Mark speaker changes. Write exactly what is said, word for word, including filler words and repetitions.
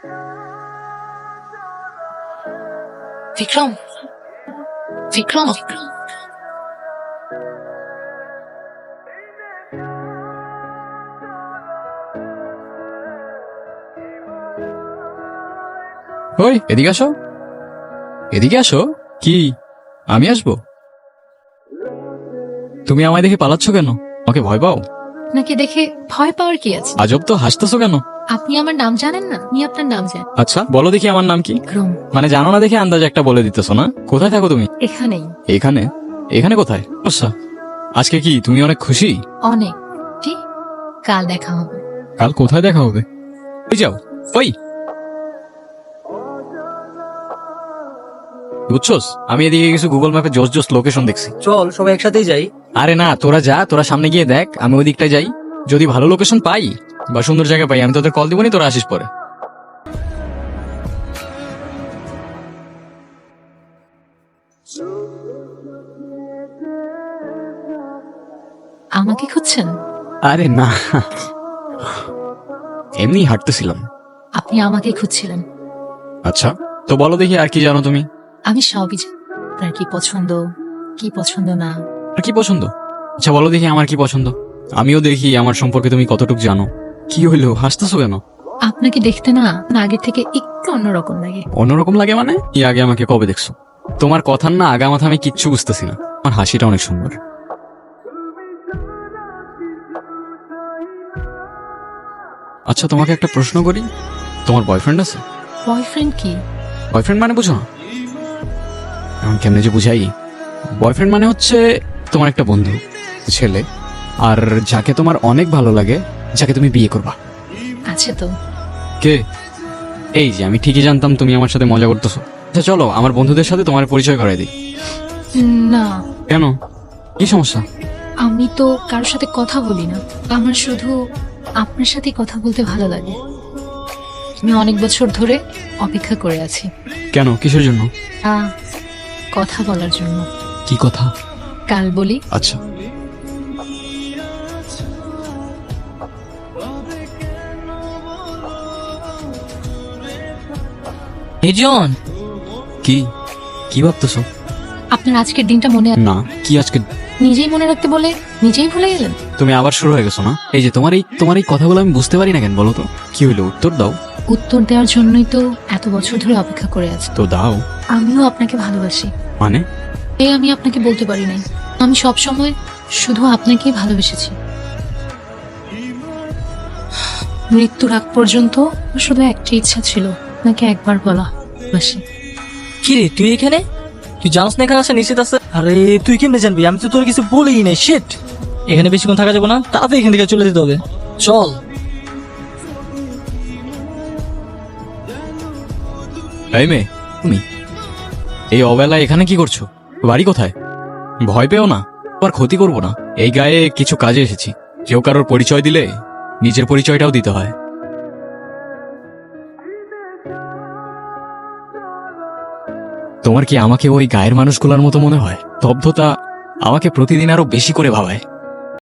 Speaker 1: বিক্রম, বিক্রম,
Speaker 2: ওই এদিকে আসো, এদিকে আসো। কি আমি আসবো? তুমি আমায় দেখে পালাচ্ছ কেন? ওকে ভয় পাও?
Speaker 1: আপনাকে দেখে ভয় পাওয়ার কি আছে?
Speaker 2: আজব তো, হাসতেছো কেন?
Speaker 1: আপনি আমার নাম জানেন না? আমি আপনার নাম জানি।
Speaker 2: আচ্ছা বলো দেখি আমার নাম কি?
Speaker 1: বিক্রম।
Speaker 2: মানে জানো না দেখে আন্দাজ একটা বলে দিতেছো না? কোথায় থাকো তুমি?
Speaker 1: এখানেই।
Speaker 2: এখানে? এখানে কোথায়? আচ্ছা, আজকে কি তুমি অনেক খুশি?
Speaker 1: অনেক। ঠিক, কাল দেখা হবে।
Speaker 2: কাল কোথায় দেখা হবে? ওই যাও, ওই বুঝছোস, আমি এদিকে কিছু গুগল ম্যাপে জোস জোস লোকেশন দেখছি।
Speaker 3: চল সবাই একসাথেই যাই।
Speaker 2: আরে না, তোরা যা, তোরা সামনে গিয়ে দেখ, আমি ওই দিকটায় যাই। যদি ভালো লোকেশন পাই বা সুন্দর জায়গা পাই, আমি তোদের কল দিবনি, তোরা আসিস পরে।
Speaker 1: আমাকে খুঁজছেন?
Speaker 2: আরে না, এমনি হাঁটতেছিলাম।
Speaker 1: আপনি আমাকে খুঁজছিলেন?
Speaker 2: আচ্ছা তো বলো দেখি আর কি জানো তুমি?
Speaker 1: আমি সবই জানি। আপনার কি পছন্দ, কি পছন্দ না।
Speaker 2: আর কি পছন্দ? আচ্ছা বলো দেখি আমার কি পছন্দ, আমিও দেখি আমার সম্পর্কে তুমি কতটুকু জানো। কি হইলো, হাসতেছো কেন?
Speaker 1: আপনাকে দেখতে না আগের থেকে একটু অন্যরকম লাগে।
Speaker 2: অন্যরকম লাগে মানে? কি আগে আমাকে কবে দেখছো? তোমার কথার না আগা মাথা আমি কিচ্ছু বুঝতেছি না। আমার হাসিটা অনেক সুন্দর। আচ্ছা তোমাকে একটা প্রশ্ন করি, তোমার বয়ফ্রেন্ড আছে?
Speaker 1: বয়ফ্রেন্ড কি?
Speaker 2: বয়ফ্রেন্ড মানে বুঝো না? এখন কেমনে যে বুঝাই, বয়ফ্রেন্ড মানে হচ্ছে তোমার একটা বন্ধু, ছেলে, আর যাকে তোমার অনেক ভালো লাগে, যাকে তুমি বিয়ে করবা।
Speaker 1: আছে তো।
Speaker 2: কে? এই যে আমি ঠিকই জানতাম তুমি আমার সাথে মজা করতেছো। আচ্ছা চলো আমার বন্ধুদের সাথে তোমার পরিচয় করাই দিই।
Speaker 1: না,
Speaker 2: কেন, কি সমস্যা?
Speaker 1: আমি তো কারোর সাথে কথা বলি না। আমার শুধু আপনার সাথে কথা বলতে ভালো লাগে। আমি অনেক বছর ধরে অপেক্ষা করে আছি।
Speaker 2: কেন, কিসের জন্য?
Speaker 1: আহ, কথা বলার জন্য।
Speaker 2: কি কথা?
Speaker 1: কাল বলি।
Speaker 2: আচ্ছা
Speaker 3: নিজন,
Speaker 2: কি কি ভাবতেছো?
Speaker 1: আপনার আজকের দিনটা মনে আছে?
Speaker 2: না, কি আজকে?
Speaker 1: নিজেই মনে রাখতে বলে নিজেই ভুলে গেলেন।
Speaker 2: তুমি আবার শুরু হয়ে গেছো না? এই যে তোমার এই তোমার এই কথাগুলো আমি বুঝতে পারি না কেন বলো তো? কি হইলো, উত্তর দাও।
Speaker 1: উত্তর দেওয়ার জন্যই তো এত বছর ধরে অপেক্ষা করে আছি।
Speaker 2: তো দাও।
Speaker 1: আমিও আপনাকে ভালোবাসি।
Speaker 2: মানে?
Speaker 1: এই আমি আপনাকে বলতে পারি নাই। আমি সব সময় শুধু আপনাকেই ভালোবেসেছি। মৃত্যুর আগ পর্যন্ত আমার শুধু একটা ইচ্ছা ছিল, আপনাকে একবার বলা ভালোবাসি।
Speaker 3: কি রে তুই এখানে? তুই জানোস না এখানে আসা নিশ্চিত আছে? আরে তুই কেমনে জানবি? আমি তো তোর কিছু বলেই নাই। শিট, এখানে বেশিক্ষণ থাকা যাবে না, তাড়াতাড়ি এখান থেকে চলে যেতে হবে। চল।
Speaker 2: এই মেয়ে, তুমি এই অবেলায় এখানে কি করছো? বাড়ি কোথায়? ভয় পেও না, তোমার ক্ষতি করবো না। এই গায়ে কিছু কাজে এসেছি। কেউ কারোর পরিচয় দিলে নিজের পরিচয়টাও দিতে হয়। তোমার কি আমাকে ওই গায়ের মানুষগুলোর মতো মনে হয়? স্তব্ধতা আমাকে প্রতিদিন আরো বেশি করে ভাবায়।